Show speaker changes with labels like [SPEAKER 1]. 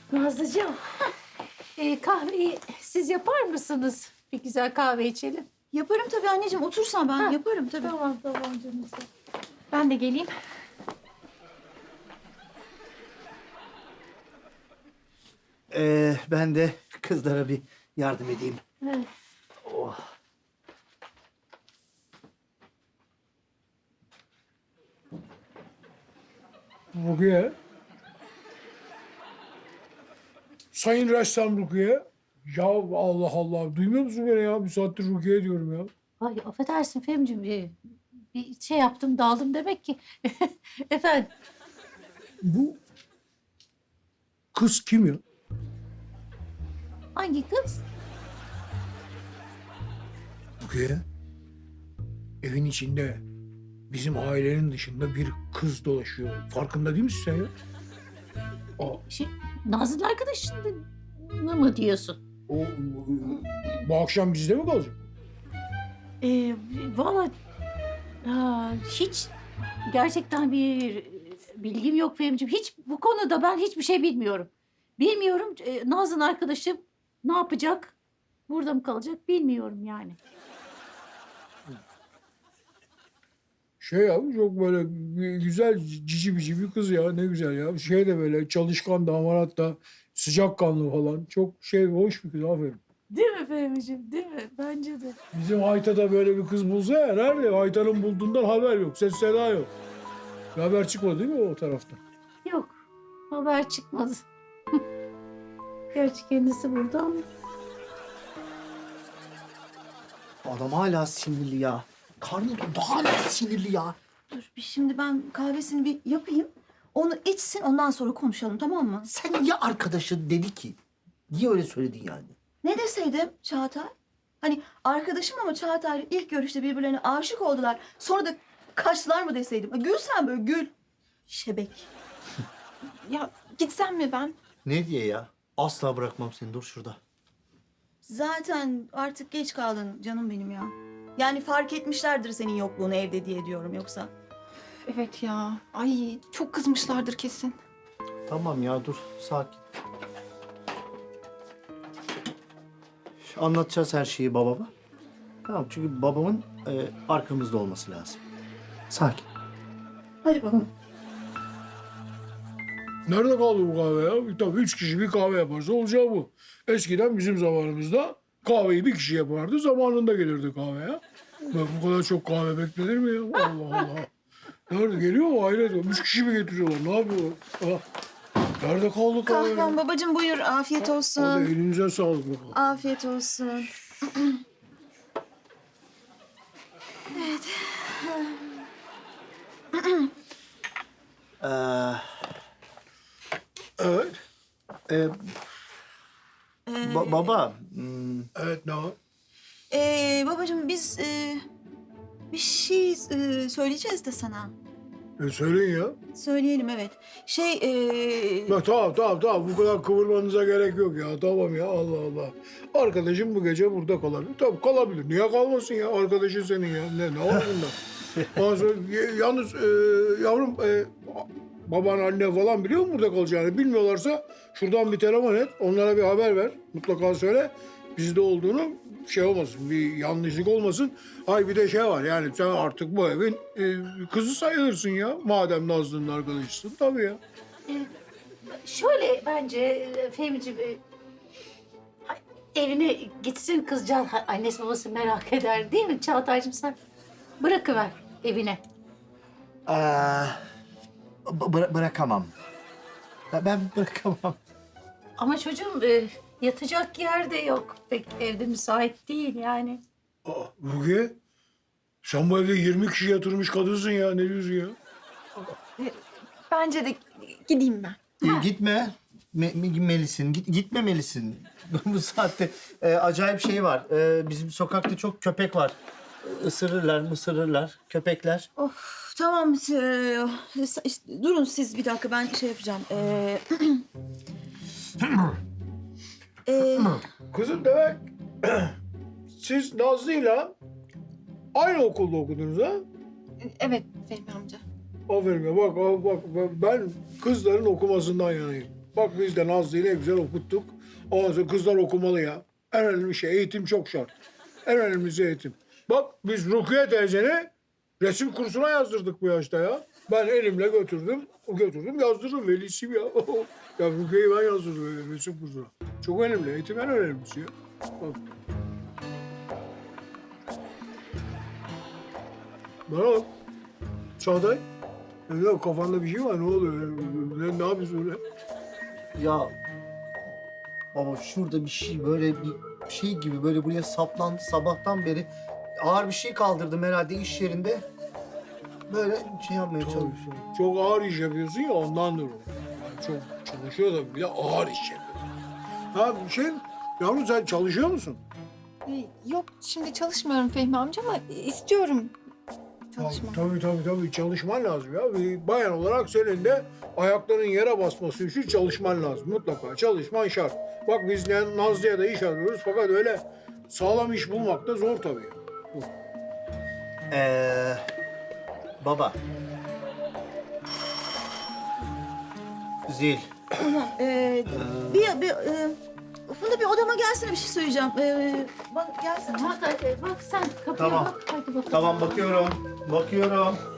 [SPEAKER 1] Nazlıcığım, kahveyi siz yapar mısınız? Bir güzel kahve içelim.
[SPEAKER 2] Yaparım tabii anneciğim. Otursan ben
[SPEAKER 1] Ha,
[SPEAKER 2] yaparım tabii.
[SPEAKER 1] Tamam canım.
[SPEAKER 2] Ben de geleyim.
[SPEAKER 3] Ben de kızlara bir yardım edeyim.
[SPEAKER 1] Evet.
[SPEAKER 3] Oh.
[SPEAKER 4] Rukiye. Sayın ressam Rukiye. Ya Allah Allah. Duymuyor musun beni ya? Bir saattir Rukiye diyorum ya.
[SPEAKER 1] Ay affedersin Fehmiciğim. Bir şey yaptım, daldım demek ki. Efendim,
[SPEAKER 4] Bu kız kim ya?
[SPEAKER 1] hangi kız?
[SPEAKER 4] Rukiye. Evin içinde bizim ailenin dışında bir kız dolaşıyor. Farkında değil misin sen ya?
[SPEAKER 1] Nazlı'nın arkadaşını mı diyorsun?
[SPEAKER 4] O bu akşam bizde mi kalacak?
[SPEAKER 1] Vallahi hiç gerçekten bir bilgim yok Fehmiciğim. Hiç bu konuda ben hiçbir şey bilmiyorum. Bilmiyorum Nazlı'nın arkadaşı ne yapacak? Burada mı kalacak bilmiyorum yani.
[SPEAKER 4] Şey ya çok böyle güzel cici bici bir kız ya ne güzel ya. Şey de böyle çalışkan da hamarat da sıcakkanlı falan. Çok şey hoş bir kız aferin.
[SPEAKER 1] Değil mi Fehmiciğim? Değil mi? Bence de.
[SPEAKER 4] Bizim Hayta da böyle bir kız bulsa ya nerede? Hayta'nın bulduğundan haber yok. Ses seda yok. Bir haber çıkmadı değil mi o taraftan?
[SPEAKER 1] Yok. Haber çıkmadı. Gerçi kendisi burada ama.
[SPEAKER 3] Adam hala sinirli ya. Karnı daha hala sinirli ya.
[SPEAKER 2] Dur şimdi ben kahvesini bir yapayım. Onu içsin ondan sonra konuşalım tamam mı?
[SPEAKER 3] Sen niye arkadaşı dedi ki? Niye öyle söyledin yani?
[SPEAKER 2] Ne deseydim Çağatay? Hani arkadaşım ama Çağatay'la ilk görüşte birbirlerine aşık oldular. Sonra da kaçtılar mı deseydim? Gül sen böyle gül. Şebek.
[SPEAKER 5] Ya gitsem mi ben?
[SPEAKER 3] Ne diye ya? Asla bırakmam seni. Dur şurada.
[SPEAKER 2] Zaten artık geç kaldın canım benim ya. Yani fark etmişlerdir senin yokluğunu evde diye diyorum yoksa.
[SPEAKER 5] Evet ya. Ay çok kızmışlardır kesin.
[SPEAKER 3] Tamam ya dur. Sakin. Anlatacağız her şeyi babama. Tamam çünkü babamın arkamızda olması lazım. Sakin.
[SPEAKER 2] Hadi bakalım.
[SPEAKER 4] Nerede kaldı bu kahve ya? Tabii 3 kişi bir kahve yaparsa olacağı bu. Eskiden bizim zamanımızda kahveyi bir kişi yapardı. Zamanında gelirdi kahve ya. Bak bu kadar çok kahve beklenir mi ya? Allah Allah. Nerede geliyor mu? Hayret. 3 kişi mi getiriyorlar? Ne yapıyorlar? Ah. Nerede kaldı kahve?
[SPEAKER 2] Kahvem babacığım buyur afiyet
[SPEAKER 4] Hadi
[SPEAKER 2] olsun.
[SPEAKER 4] elinize sağlık bakalım.
[SPEAKER 2] Afiyet olsun.
[SPEAKER 3] Ee,
[SPEAKER 4] Evet.
[SPEAKER 3] e, baba.
[SPEAKER 4] Evet ne var?
[SPEAKER 2] Babacığım biz bir şey söyleyeceğiz de sana.
[SPEAKER 4] Söyleyin ya.
[SPEAKER 2] Söyleyelim evet.
[SPEAKER 4] Ya, tamam. Bu kadar kıvırmanıza gerek yok ya. Tamam ya Allah Allah. Arkadaşım bu gece burada kalabilir. Tabii kalabilir. Niye kalmasın ya? Arkadaşın senin ya. Ne var bunda? Ondan sonra, yalnız yavrum baban anne falan biliyor mu burada kalacağını? Bilmiyorlarsa şuradan bir telefon et. Onlara bir haber ver. Mutlaka söyle. Bizde olduğunu şey olmasın. Bir yanlışlık olmasın. Ay bir de şey var yani sen artık bu evin kızı sayılırsın ya. Madem Nazlı'nın arkadaşısın tabii ya.
[SPEAKER 1] Şöyle bence Fehmiciğim evine gitsin kızcağız. Annesi babası merak eder değil mi Çağatay'cığım sen? Bırakıver evine.
[SPEAKER 3] Bırakamam. Ben bırakamam.
[SPEAKER 1] Ama çocuğum yatacak yer de yok. Pek evde müsait değil yani.
[SPEAKER 4] Aa, Rukiye, sen bu evde 20 kişi yatırmış kadınsın ya. Ne diyorsun ya?
[SPEAKER 5] Bence de gideyim ben.
[SPEAKER 3] Gitme. Melisin. Gitmemelisin. Bu saatte acayip şey var. Bizim sokakta çok köpek var. Isırırlar, mısırırlar köpekler.
[SPEAKER 2] Of tamam. Durun siz bir dakika ben şey yapacağım.
[SPEAKER 4] Kızım demek siz Nazlı'yla aynı okulda okudunuz ha?
[SPEAKER 5] Evet Fehmi amca.
[SPEAKER 4] Aferin ya bak ben kızların okumasından yanayım. Bak biz de Nazlı'yı ne güzel okuttuk. Ondan sonra kızlar okumalı ya. En önemli şey eğitim çok şart. En önemlisi eğitim. Bak biz Rukiye teyzeni resim kursuna yazdırdık bu yaşta ya. Ben elimle götürdüm yazdırdım velisiyim ya. Ya Rukiye'yi ben yazdırdım resim kursuna. Çok önemli, eğitim en önemlisi ya. Bak. Bana bak. Çağatay. Ne kafanda bir şey var, ne oluyor? Ne yapıyorsun öyle?
[SPEAKER 3] Ya baba şurada bir şey böyle bir şey gibi böyle buraya saplandı sabahtan beri. Ağır bir şey kaldırdım herhalde iş yerinde. Böyle şey yapmaya çalışıyorum.
[SPEAKER 4] Çok ağır iş yapıyorsun ya ondandır o. Yani çok çalışıyor da bir de ağır iş yapıyor. Ha yavrum sen çalışıyor musun?
[SPEAKER 5] Yok şimdi çalışmıyorum Fehmi amca ama istiyorum çalışmak.
[SPEAKER 4] Tabii çalışman lazım ya. Bir bayan olarak senin de ayaklarının yere basması için çalışman lazım. Mutlaka çalışman şart. Bak biz Nazlı'ya da iş arıyoruz fakat öyle sağlam iş bulmak da zor tabii.
[SPEAKER 3] Baba. Zil.
[SPEAKER 2] Funda bir odama gelsene bir şey söyleyeceğim. Bak gelsene.
[SPEAKER 1] Çağatay bak sen kapıya
[SPEAKER 3] Tamam.
[SPEAKER 1] bak. Hadi bakalım.
[SPEAKER 3] Tamam bakıyorum.